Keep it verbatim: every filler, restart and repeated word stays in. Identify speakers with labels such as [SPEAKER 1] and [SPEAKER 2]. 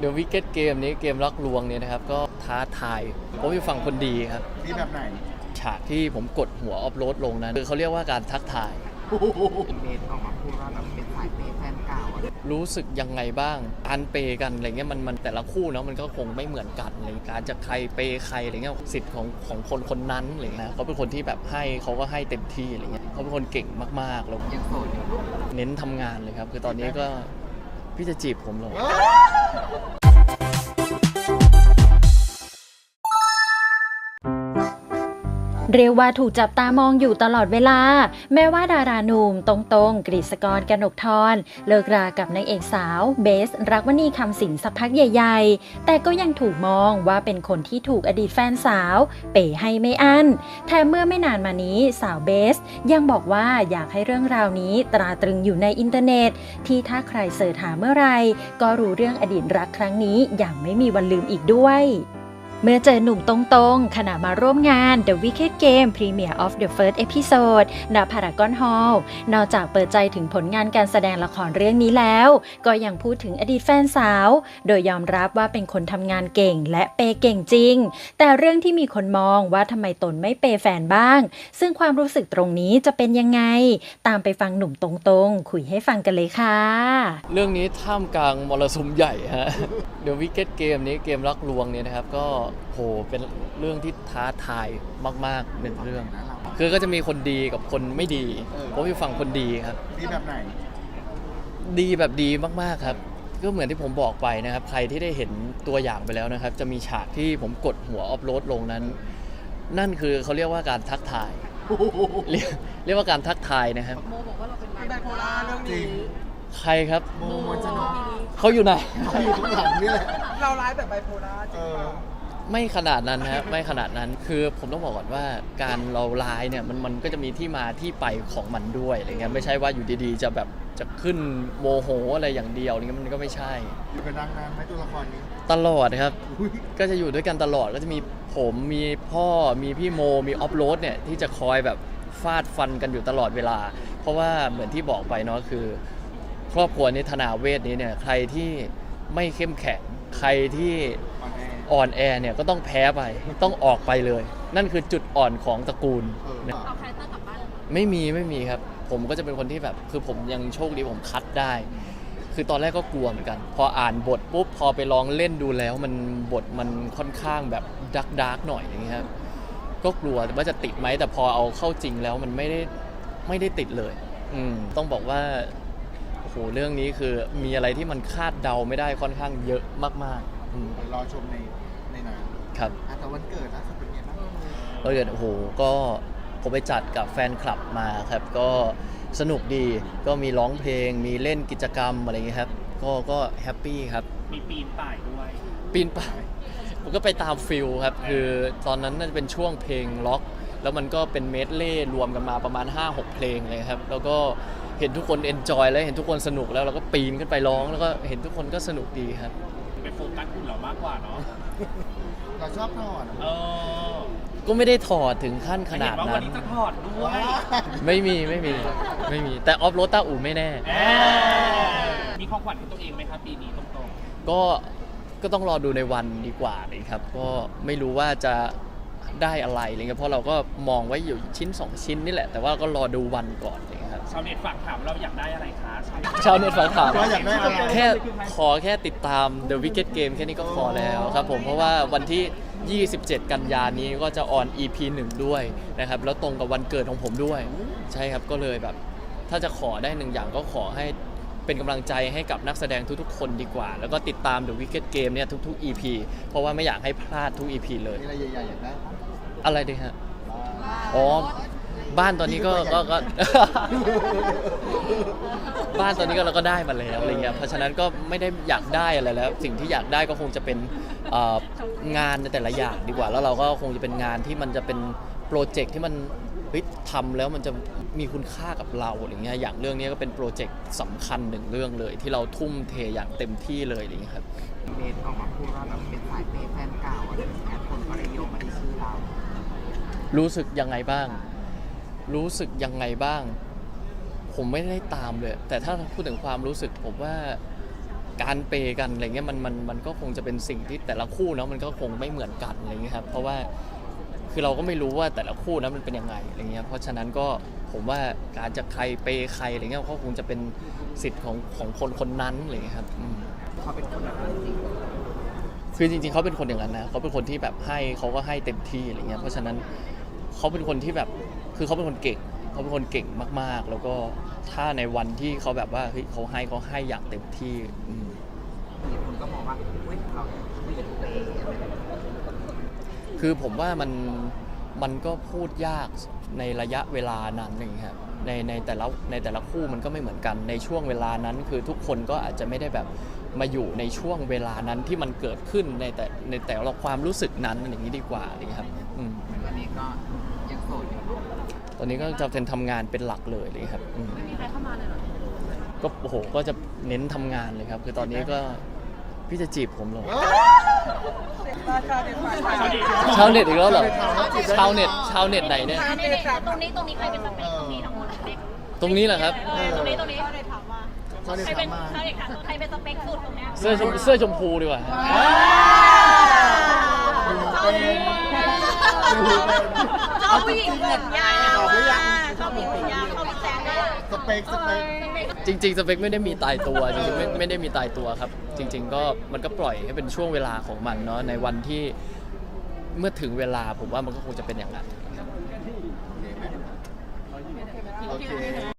[SPEAKER 1] The Wicked Game นี้เกมรักลวงเนี่ยนะครับก็ท้าทายผมอยู่ฝั่งคนดีครับ
[SPEAKER 2] ดีแบบไหน
[SPEAKER 1] ฉากที่ผมกดหัวออฟโรดลงนั้นคือเขาเรียกว่าการทักทาย
[SPEAKER 3] เมทออกมาพูดว่าแบบเป็นสายเปย์แฟนเก่า
[SPEAKER 1] รู้สึกยังไงบ้างการเปย์กันอะไรเงี้ยมันมันแต่ละคู่เนาะมันก็คงไม่เหมือนกันเลยการจะใครเปย์ใครอะไรเงี้ยสิทธิ์ของของคนคนนั้นอะไรเงี้ยเขาเป็นคนที่แบบให้เขาก็ให้เต็มที่อะไรเงี้ยเขาเป็นคนเก่งมากๆแล้ว
[SPEAKER 3] ยังโสดอยู่
[SPEAKER 1] เน้นทำงานเลยครับคือตอนนี้ก็พี่จะจีบผมหรอ
[SPEAKER 4] เรียกว่าถูกจับตามองอยู่ตลอดเวลาแม้ว่าดาราหนุ่มตรงๆกฤษกร กนกธรเลิกรากับนางเอกสาวเบสรักวณีคำสิงสักพักใหญ่ๆแต่ก็ยังถูกมองว่าเป็นคนที่ถูกอดีตแฟนสาวเป๋ให้ไม่อั้นแถมเมื่อไม่นานมานี้สาวเบสยังบอกว่าอยากให้เรื่องราวนี้ตราตรึงอยู่ในอินเทอร์เน็ตที่ถ้าใครเสิร์ชหาเมื่อไรก็รู้เรื่องอดีตรักครั้งนี้อย่างไม่มีวันลืมอีกด้วยเมื่อเจอหนุ่มตรงๆขณะมาร่วมงาน The Wicked Game Premiere of the First Episode ณ Paragon Hall นอกจากเปิดใจถึงผลงานการแสดงละครเรื่องนี้แล้วก็ยังพูดถึงอดีตแฟนสาวโดยยอมรับว่าเป็นคนทำงานเก่งและเปย์เก่งจริงแต่เรื่องที่มีคนมองว่าทำไมตนไม่เปย์แฟนบ้างซึ่งความรู้สึกตรงนี้จะเป็นยังไงตามไปฟังหนุ่มตรงๆคุยให้ฟังกันเลยค่ะ
[SPEAKER 1] เรื่องนี้ท่ามกลางมรสุมใหญ่ฮะ The Wicked Game นี้เกมรักลวงเนี่ยนะครับก็โหเป็นเรื่องที่ท้าทายมากๆหนึ่งเรื่องคือก็จะมีคนดีกับคนไม่ดีผมอยู่ฝั่งคนดีครับ
[SPEAKER 2] ดีแบบไหน
[SPEAKER 1] ดีแบบดีมากๆครับก็เหมือนที่ผมบอกไปนะครับใครที่ได้เห็นตัวอย่างไปแล้วนะครับจะมีฉากที่ผมกดหัวออฟโรดลงนั้นนั่นคือเขาเรียกว่าการทักทายเรียกเรียกว่าการทักทายนะครับ
[SPEAKER 3] โมบอกว่าเราเป็นไบโพล่าเรื่องนี้
[SPEAKER 1] ใครครับ
[SPEAKER 2] โมมันจะน้อง
[SPEAKER 1] เขาอยู่ไหน
[SPEAKER 2] เขาอยู่ข้างหลังนี่แหละ
[SPEAKER 3] เราร้ายแบบไบโพล่าจริงเปล่า
[SPEAKER 1] ไม่ขนาดนั้นฮะไม่ขนาดนั้นคือผมต้องบอกก่อนว่าการเราไลน์เนี่ยมันมันก็จะมีที่มาที่ไปของมันด้วยอะไรเงี้ยไม่ใช่ว่าอยู่ดีๆจะแบบจะขึ้นโมโหอะไรอย่างเดียวอะไรเงี้ยมันก็ไม่ใช่
[SPEAKER 2] อยู่กันนานไหมตัวละครนี้
[SPEAKER 1] ตลอดครับก็จะอยู่ด้วยกันตลอดก็จะมีผมมีพ่อมีพี่โมมีออฟโรดเนี่ยที่จะคอยแบบฟาดฟันกันอยู่ตลอดเวลาเพราะว่าเหมือนที่บอกไปเนาะคือครอบครัวนี้ธนาเวทนี้เนี่ยใครที่ไม่เข้มแข็งใครที่อ่อนแอเนี่ยก็ต้องแพ้ไปต้องออกไปเลยนั่นคือจุดอ่อนของตระกูล
[SPEAKER 4] เอาคาแรคเตอร์กลับบ้าน
[SPEAKER 1] ไม่มีไม่มีครับผมก็จะเป็นคนที่แบบคือผมยังโชคดีผมคัดได้คือตอนแรกก็กลัวเหมือนกันพออ่านบทปุ๊บพอไปลองเล่นดูแล้วมันบทมันค่อนข้างแบบดาร์กดาร์กหน่อยอย่างเงี้ยครับก็กลัวว่าจะติดไหมแต่พอเอาเข้าจริงแล้วมันไม่ได้ไม่ได้ติดเลยอืมต้องบอกว่าโอ้โหเรื่องนี้คือมีอะไรที่มันคาดเดาไม่ได้ค่อนข้างเยอะมากๆอืม
[SPEAKER 2] รอชมในในหนัง
[SPEAKER 1] ครับ
[SPEAKER 2] แต่วันเกิดล่าสุดเป็นไงบ้าง
[SPEAKER 1] วันเกิดโอ้โหก็ผมไปจัดกับแฟนคลับมาครับก็สนุกดีก็มีร้องเพลงมีเล่นกิจกรรมอะไรอย่างเงี้ยครับก็ก็แฮปปี้ครับ
[SPEAKER 3] มีปีนป่ายด้วย
[SPEAKER 1] ปีนป่ายผมก็ไปตามฟิลครับคือตอนนั้นน่าจะเป็นช่วงเพลงล็อกแล้วมันก็เป็นเมดเล่รวมกันมาประมาณ ห้าหก เพลงเลยครับแล้วก็เห็นทุกคนเอนจอยแล้วเห็นทุกคนสนุกแล้วเราก็ปีนขึ้นไปร้องแล้วก็เห็นทุกคนก็สนุกดีครับ
[SPEAKER 3] เป็นโฟกัสคุณเรามากกว่าเนาะ
[SPEAKER 2] เราชอบถอด
[SPEAKER 3] เออ
[SPEAKER 1] ก็ไม่ได้ถอดถึงขั้นขนาดนั้น
[SPEAKER 3] วันนี้จะถอดด้วย
[SPEAKER 1] ไม่มีไม่มีไม่มีแต่ออฟโรดต้าอู่ไม่แน่
[SPEAKER 3] มีของขวัญให้ตัวเองไหมครับปีนี้ตรง
[SPEAKER 1] ๆก็ก็ต้องรอดูในวันดีกว่าเลยครับก็ไม่รู้ว่าจะได้อะไรอะไรเงี้ยเพราะเราก็มองไว้อยู่ชิ้นสองชิ้นนี่แหละแต่ว่าก็รอดูวันก่อนเลยครับ
[SPEAKER 3] ชาวเน็ตฝากถามเราอยากได้อะไรคะ
[SPEAKER 1] ชาวเน็ตฝากถาม
[SPEAKER 2] ว่าอยากได้อะไร
[SPEAKER 1] แค่ขอแค่ติดตาม The Wicked Game แค่นี้ก็พอแล้วครับผมเพราะว่าวันที่ยี่สิบเจ็ดกันยายนนี้ก็จะออน อี พี หนึ่งด้วยนะครับแล้วตรงกับวันเกิดของผมด้วยใช่ครับก็เลยแบบถ้าจะขอได้หนึ่งอย่างก็ขอให้เป็นกำลังใจให้กับนักแสดงทุกๆคนดีกว่าแล้วก็ติดตาม The Wicked Game เนี่ยทุกๆ อี พี เพราะว่าไม่อยากให้พลาดทุก อี พี เลย
[SPEAKER 2] อะไรใหญ่ๆอยากได้
[SPEAKER 1] อะไรดีฮะอ๋อบ้านตอนนี้ก็ก็ก็บ้านตอนนี้ก็เราก็ได้มาแล้วอะไรเงี้ยเพราะฉะนั้นก็ไม่ได้อยากได้อะไรแล้วสิ่งที่อยากได้ก็คงจะเป็นงานในแต่ละอย่างดีกว่าแล้วเราก็คงจะเป็นงานที่มันจะเป็นโปรเจกต์ที่มันทำแล้วมันจะมีคุณค่ากับเราอะไรเงี้ยอย่างเรื่องนี้ก็เป็นโปรเจกต์สำคัญหนึ่งเรื่องเลยที่เราทุ่มเทอย่างเต็มที่เลยอะไรเงี้ยครับ
[SPEAKER 3] เมทออกมาพูดว่าแบบเป็นสายเปย์แฟนเก่าอะไรแบบนี้คนก็เลยโยงมาที่ชื่อเรา
[SPEAKER 1] รู้สึกยังไงบ้างรู้สึกยังไงบ้างผมไม่ได้ตามเลยแต่ถ้าพูดถึงความรู้สึกผมว่าการเปย์กันอะไรเงี้ยมันมันมันก็คงจะเป็นสิ่งที่แต่ละคู่เนาะมันก็คงไม่เหมือนกันอะไรเงี้ยครับเพราะว่าคือเราก็ไม่รู้ว่าแต่ละคู่นั้นมันเป็นยังไงอะไรเงี้ยเพราะฉะนั้นก็ผมว่าการจะใครเปย์ใครอะไรเงี้ยก็คงจะเป็นสิทธิ์ของของคนคนนั้นอะไรเงี้ยครับอืม
[SPEAKER 3] เขาเป็นคนแบบนั้นจริง
[SPEAKER 1] คือจริงๆเขาเป็นคนอย่างนั้นนะเขาเป็นคนที่แบบให้เขาก็ให้เต็มที่อะไรเงี้ยเพราะฉะนั้นเขาเป็นคนที่แบบคือเขาเป็นคนเก่งเขาเป็นคนเก่งมากๆ แล้วก็ถ้าในวันที่เขาแบบว่าเฮ้ยเขาให้เขาให้อย่างเต็มที่อืม
[SPEAKER 3] มีคนก็มองว่าเฮ้ยเราคุยกันเองอะไรแบบนี้
[SPEAKER 1] คือผมว่ามันมันก็พูดยากในระยะเวลานั้นอย่างเงี้ยครับในในแต่ละในแต่ละคู่มันก็ไม่เหมือนกันในช่วงเวลานั้น คือทุกคนก็อาจจะไม่ได้แบบมาอยู่ในช่วงเวลานั้นที่มันเกิดขึ้นในแต่ในแต่ละความรู้สึกนั้นอย่างนี้ดีกว่าอะไรเงี้ยครับอืม
[SPEAKER 3] ตอนนี้ก็ยังโสดอยู่เนอะ
[SPEAKER 1] ตอนนี้ก็จะเป็นทำงานเป็นหลักเลยเลยครับอืม
[SPEAKER 5] ไม่มีใครเข้ามาเลยเหรอ
[SPEAKER 1] ก็โอ้โหก็จะเน้นทำงานเลยครับ คือตอนนี้ก็พี่จะจีบผมเหรอชาวเน็ตอีกแล้วเหรอชาวเน็ตชาวเน็ตไหนเนี่ย
[SPEAKER 5] ตรงนี้ตรงนี้ใครเป็นสเปคตรงนี้ทั้งหมดเลย
[SPEAKER 1] ตรงนี้เหรอครับ
[SPEAKER 5] เออตรงนี้ตรงนี้เขาเลยถามว่า
[SPEAKER 2] เขาได้
[SPEAKER 5] ใครเป็น
[SPEAKER 2] ถามมา
[SPEAKER 5] ใครถามใครเป็นสเปคสุดตรงเนี้ย
[SPEAKER 1] เสื้อชมเสื้อชมพูดีกว่า
[SPEAKER 5] ชอบผู้หญิงผมยาวชอบผู้หญิงผมยาวชอบผู้แซงได้
[SPEAKER 2] สเปคสเปค
[SPEAKER 1] จริงๆสเปคไม่ได้มีตายตัวจริงๆไม่ไม่ได้มีตายตัวครับ จริง ๆ ก็มันก็ปล่อยให้เป็นช่วงเวลาของมันเนาะในวันที่เมื่อถึงเวลาผมว่ามันก็คงจะเป็นอย่างนั้น
[SPEAKER 2] โอเค